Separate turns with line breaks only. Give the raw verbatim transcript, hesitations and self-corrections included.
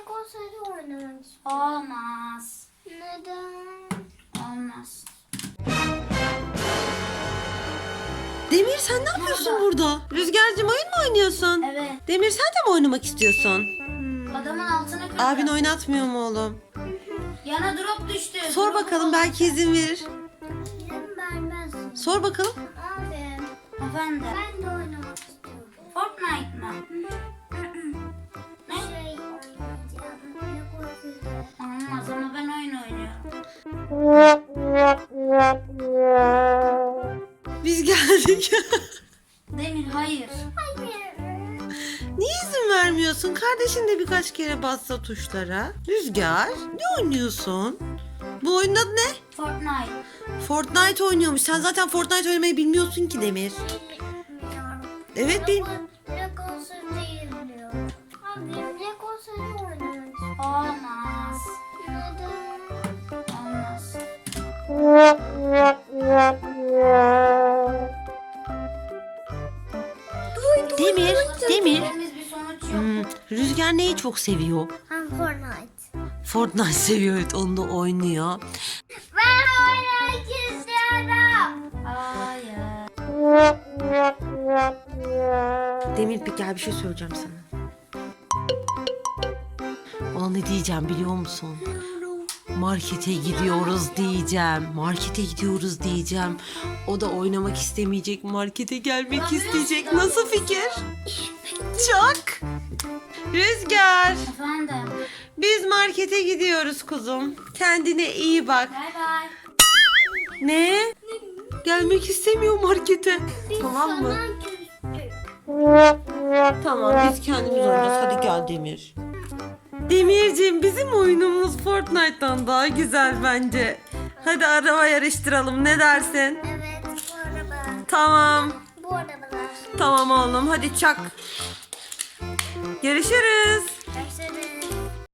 Lego City oynamak istiyorum.
Olmaz.
Neden?
Olmaz.
Demir sen ne yapıyorsun burada? Rüzgar'cığım oyun mu oynuyorsun?
Evet.
Demir sen de mi oynamak istiyorsun?
Adamın altına kırdı.
Abin oynatmıyor mu oğlum?
Yana drop düştü.
Sor
Drop'u
bakalım
bul.
belki izin verir.
İzin vermez.
Sor bakalım.
Abi
Efendim.
ben de oynamak istiyorum.
Fortnite mı? Ne?
Şey oynayacağım. Lego City.
Olmaz ama ben oyun oynuyorum.
Biz geldik.
Demir hayır.
Hayır.
Niye izin vermiyorsun? Kardeşin de birkaç kere bassa tuşlara. Rüzgar ne oynuyorsun? Bu oyunun adı ne?
Fortnite.
Fortnite oynuyormuş. Sen zaten Fortnite oynamayı bilmiyorsun ki Demir.
Bilmiyorum.
Evet bil.
Lego, Lego City'yi biliyorum. Abi Lego City oynamak istiyorum.
Olmaz.
Neden?
Olmaz.
Demir, Demir.
Temiz bir sonuç yok.
Hmm, Rüzgar neyi çok seviyor?
Hem Fortnite.
Fortnite seviyor, evet, onu da oynuyor.
Ben oynamak istiyorum.
Hayır.
Demir bir gel bir şey söyleyeceğim sana. Ona ne diyeceğim biliyor musun? Markete gidiyoruz diyeceğim. Markete gidiyoruz diyeceğim. O da oynamak istemeyecek. Markete gelmek isteyecek. Nasıl fikir? Çok. Rüzgar.
Efendim.
Biz markete gidiyoruz kuzum. Kendine iyi bak.
Bay bay.
Ne? Gelmek istemiyor markete. Tamam mı?
Sana küstüm.
Tamam biz kendimiz oynayacağız. Hadi gel Demir. Demirciğim bizim oyunumuz Fortnite'tan daha güzel bence. Hadi araba yarıştıralım, ne dersin?
Evet bu araba.
Tamam.
Bu arabalar.
Tamam oğlum hadi çak. Görüşürüz.
Görüşürüz.